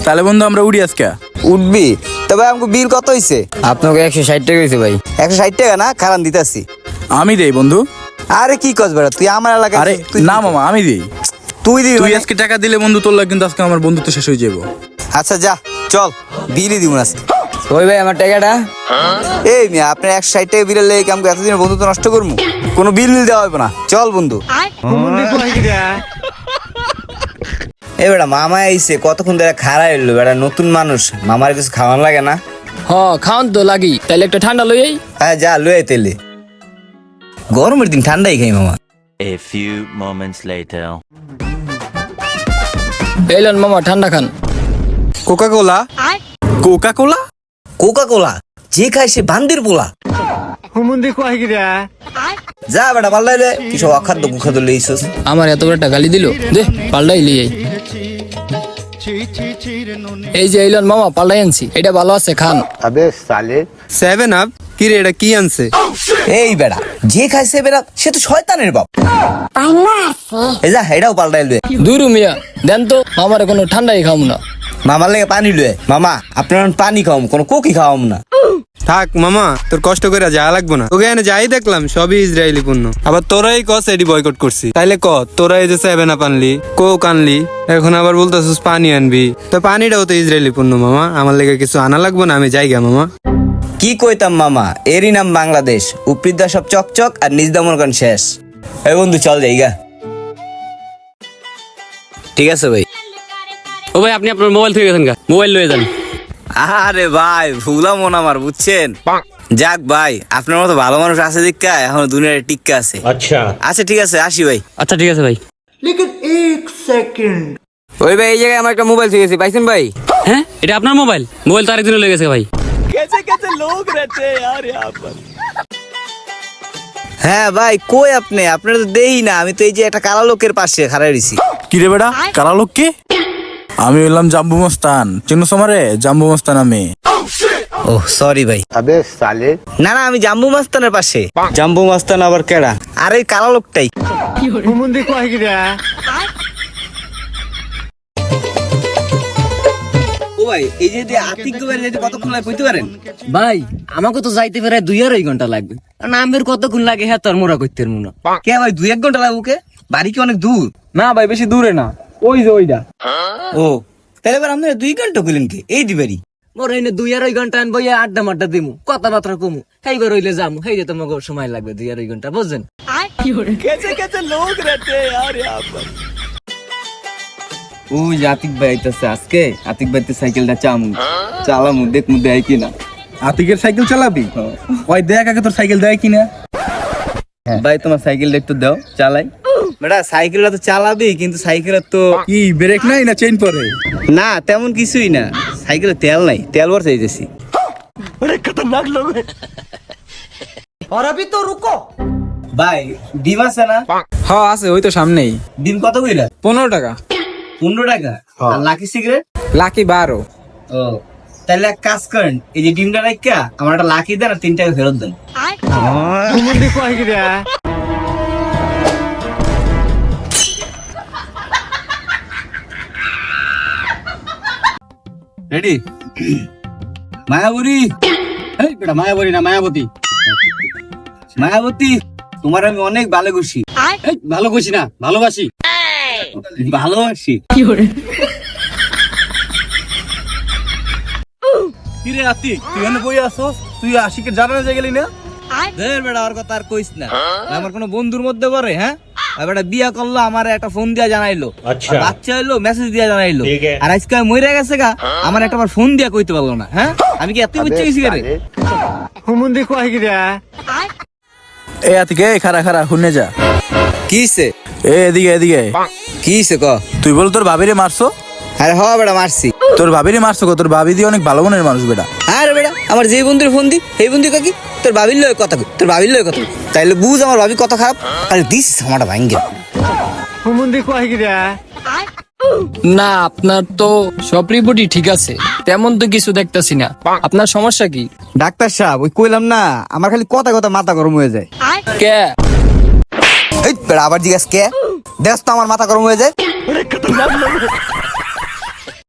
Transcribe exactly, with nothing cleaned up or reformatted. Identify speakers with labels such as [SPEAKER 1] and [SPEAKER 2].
[SPEAKER 1] তাহলে বন্ধু আমরা উড়ি আজকে।
[SPEAKER 2] উঠবি? তবে আমাকে বিল কত হয়েছে?
[SPEAKER 3] আপনাকে একশো ষাট টাকা হয়েছে ভাই।
[SPEAKER 2] একশো ষাট টাকা না, খারান দিতেছি।
[SPEAKER 1] আমি দেই বন্ধু।
[SPEAKER 2] আরে কি কস বেড়া, তুই আমার এলাকায়।
[SPEAKER 1] আরে
[SPEAKER 2] তুই
[SPEAKER 1] না মামা, আমি দিই।
[SPEAKER 2] তুই দিবি
[SPEAKER 1] তুই
[SPEAKER 2] মানে?
[SPEAKER 1] আজকে টাকা দিলে বন্ধু তোর লাগে কিন্তু আজকে আমার বন্ধুত্ব শেষ হয়ে যাবো।
[SPEAKER 2] আচ্ছা যা, চল বিলই দিব আজকে।
[SPEAKER 3] ওই ভাই আমার টাকাটা।
[SPEAKER 2] এই মিয়া, আপনার একশো ষাট টাকা বিলের লেগে আমাকে এতদিন বন্ধুত্ব নষ্ট করবো? কোনো বিল মিল দেওয়া হবে না, চল বন্ধু। এ বেটা মামা আইছে, কতক্ষণ ধরে খাড়া এলো বেটা, নতুন মানুষ, মামার কিছু খাওয়ান লাগে না?
[SPEAKER 4] হ খাওন তো লাগি, তাইলে একটা ঠান্ডা লই আই।
[SPEAKER 2] হ্যাঁ যা লয়ে তেলে, গরমের দিন ঠান্ডাই খাই মামা।
[SPEAKER 5] A few moments later.
[SPEAKER 4] এলেন মামা ঠান্ডা খান।
[SPEAKER 1] Coca Cola. Coca Cola?
[SPEAKER 2] Coca Cola যে খায় সে বান্দির পোলা। যা বেটা পাল্লাই রে, কি সব অখাদ্য কুখাদ্য লইছস।
[SPEAKER 4] আমার এত বড় একটা গালি দিল, দে পাল্টাই লিয়ে আই। এই যে এলেন মামা পাল্টাই আনছি, এটা ভালো আছে খান।
[SPEAKER 6] সেভেন আপ কি রে, এটা কি আনছে?
[SPEAKER 2] এই বেটা যে খাইছে বেটা সে তো শয়তানের বাপ। এই যা এটাও পাল্টাই লয়ে।
[SPEAKER 4] দুরু মিয়া দেন তো, মামার কোনো ঠান্ডাই খাম না।
[SPEAKER 2] মামার লেগে পানি লয়ে। মামা আপনার পানি খাওয়াম, কোনো কোকি খাওয়াম না।
[SPEAKER 6] থাক মামা, তোর কষ্ট করে যা লাগবো না। তোকে এনে যাই দেখলাম সবই ইসরায়েলি পণ্য, আবার তোরাই কস এডি বয়কট করছি। তাইলে ক তোরা এই যে সেভেন আপ আনলি, কোক আনলি, এখন আবার বলতেছিস পানি আনবি। তো পানিটাও তো ইসরায়েলি পণ্য মামা, আমার লেগে কিছু আনা লাগবো না? আমি যাইগা মামা।
[SPEAKER 2] কি কইতাম মামা, এরই নাম বাংলাদেশ। উপরিদা সব চকচক আর নিজ দামর গান শেষ। এই বন্ধু চল যাইগা। ঠিক আছে ভাই।
[SPEAKER 7] ও ভাই আপনি আপনার মোবাইল থেকে গেছেন গা, মোবাইল লয়ে যান।
[SPEAKER 2] আরে ভাই ভুলা মন আমার, বুঝছেন? যাক ভাই, আপনার মতো ভালো মানুষ আছে দীক্ষা এখন দুনিয়ার টিক্কা আছে। আচ্ছা আচ্ছা ঠিক আছে, আসি ভাই।
[SPEAKER 7] আচ্ছা ঠিক আছে ভাই।
[SPEAKER 3] ওই ভাই এই জায়গায় আমার একটা মোবাইল থেকে গেছে, পাইছেন ভাই?
[SPEAKER 7] হ্যাঁ এটা আপনার মোবাইল? মোবাইল তো আরেকদিনও লেগে গেছে ভাই।
[SPEAKER 2] হ্যাঁ ভাই কই আপনি? আপনার তো দেই না, আমি তো এই যে একটা কালা লোকের পাশে খাড়াই রইছি।
[SPEAKER 1] কি রে বেটা, কারা লোক কে? আমি হইলাম জাম্বু মস্তান, চিনুস আমারে? জাম্বু মস্তান আমি।
[SPEAKER 2] ও সরি ভাই। না না, আমি জাম্বু মাস্তানের পাশে। জাম্বু মাস্তান আবার কেডা? আরে এই কালা লোকটাই। ও ভাই এই যে আতিক গোবের যেতে কতক্ষণ লাগে কইতে পারেন?
[SPEAKER 3] ভাই আমাকে তো যাইতে পারে দুই আড়াই ঘন্টা লাগবে। নামের কতক্ষণ লাগে হ্যাঁ তোর মোরা করতে মনে।
[SPEAKER 2] কে ভাই দুই এক ঘন্টা লাগবে? বাড়ি কি অনেক দূর?
[SPEAKER 3] না ভাই বেশি দূরে না, ওই যে ওইটা।
[SPEAKER 2] ও তাহলে এবার আপনারা দুই ঘন্টা কইলেন কি? এই দিবারই
[SPEAKER 3] মোর এনে দুই আড়াই ঘন্টা আনবো, আড্ডা মাড্ডা দিমু, কথাবার্তা কমু, সেইবার হইলে যামু, সেই যে তোমাকে সময় লাগবে দুই আড়াই ঘন্টা, বুঝছেন? ওই যে আতিক ভাই আইতাছে আজকে, আতিক ভাই তো সাইকেলটা চামু চালামু, দেখমু দেয় কিনা।
[SPEAKER 1] আতিকের সাইকেল চালাবি? ওই দেখ আগে তোর সাইকেল দেয় কিনা।
[SPEAKER 3] ভাই তোমার সাইকেলটা একটু দাও চালাই।
[SPEAKER 2] বেটা সাইকেলটা তো চালাবি, কিন্তু সাইকেলের তো
[SPEAKER 1] কি ব্রেক নাই না চেইন পরে?
[SPEAKER 2] না তেমন কিছুই না, সাইকেলে তেল নাই, তেল ভরতে যাইতেছি। ভাই ডিম আছে না?
[SPEAKER 4] হ্যাঁ আছে, ওই তো সামনেই।
[SPEAKER 2] ডিম কত কইলা?
[SPEAKER 4] পনেরো টাকা।
[SPEAKER 2] পনেরো টাকা। আর লাকি সিগারেট?
[SPEAKER 4] লাকি বারো।
[SPEAKER 2] ও তাহলে এক কাজ করেন, এই যে ডিমটা রাখা আমার একটা লাকি দেন আর তিন টাকা ফেরত দেন।
[SPEAKER 3] রেডি?
[SPEAKER 2] মায়াবতী,
[SPEAKER 3] এই বেটা মায়াবতী না মায়াবতী।
[SPEAKER 2] মায়াবতী তোমার আমি অনেক ভালো খুশি।
[SPEAKER 3] এই ভালো কইছি না, ভালোবাসি।
[SPEAKER 2] ভালোবাসি।
[SPEAKER 1] কিরে আতিক, তুই এনে বই আসছস? তুই আশিকের জানা না গেলি না?
[SPEAKER 2] ধর বেটা আর কথা আর কইস না, আমার কোনো বন্ধুর মধ্যে পড়ে? হ্যাঁ আর বেটা বিয়া করলো, আমার একটা ফোন দিয়া জানাইলো, আর বাচ্চা হইলো মেসেজ দিয়া জানাইলো, আর আজকে মরে গেছে গা, আমার একটা বার ফোন দিয়া কইতে পারলো না। হ্যাঁ আমি কি এত বুঝতে গেছি রে?
[SPEAKER 1] এ আতিক, এ খারা খারা শুনে যা।
[SPEAKER 2] কিছে?
[SPEAKER 1] এ এদিকে এদিকে।
[SPEAKER 2] কিছে ক?
[SPEAKER 1] তুই বল তোর ভাবিরে মারছো?
[SPEAKER 2] আরে হ বেটা মারছি।
[SPEAKER 1] তোর ভাবিরে মারছো? তোর ভাবি দিয়ে অনেক ভালো মনের মানুষ বেটা।
[SPEAKER 2] আরে বেটা আমার যে বন্ধুর ফোন দি সেই বন্ধু কাকি তোর ভাবির লয় কথা কই, তোর ভাবির লয় কথা কই, তাইলে বুঝ আমার ভাবি কত খারাপ। আরে দিস আমারটা ভাঙ্গে।
[SPEAKER 4] না আপনার তো সব রিপোর্টই ঠিক আছে, তেমন তো কিছু দেখতেছি না। আপনার সমস্যা কি?
[SPEAKER 2] ডাক্তার সাহেব ওই কইলাম না, আমার খালি কথা কথা মাথা গরম হয়ে যায়।
[SPEAKER 4] কে?
[SPEAKER 2] এই বেটা আবার জিজ্ঞাসা কে? দেখ তো আমার মাথা গরম হয়ে যায়।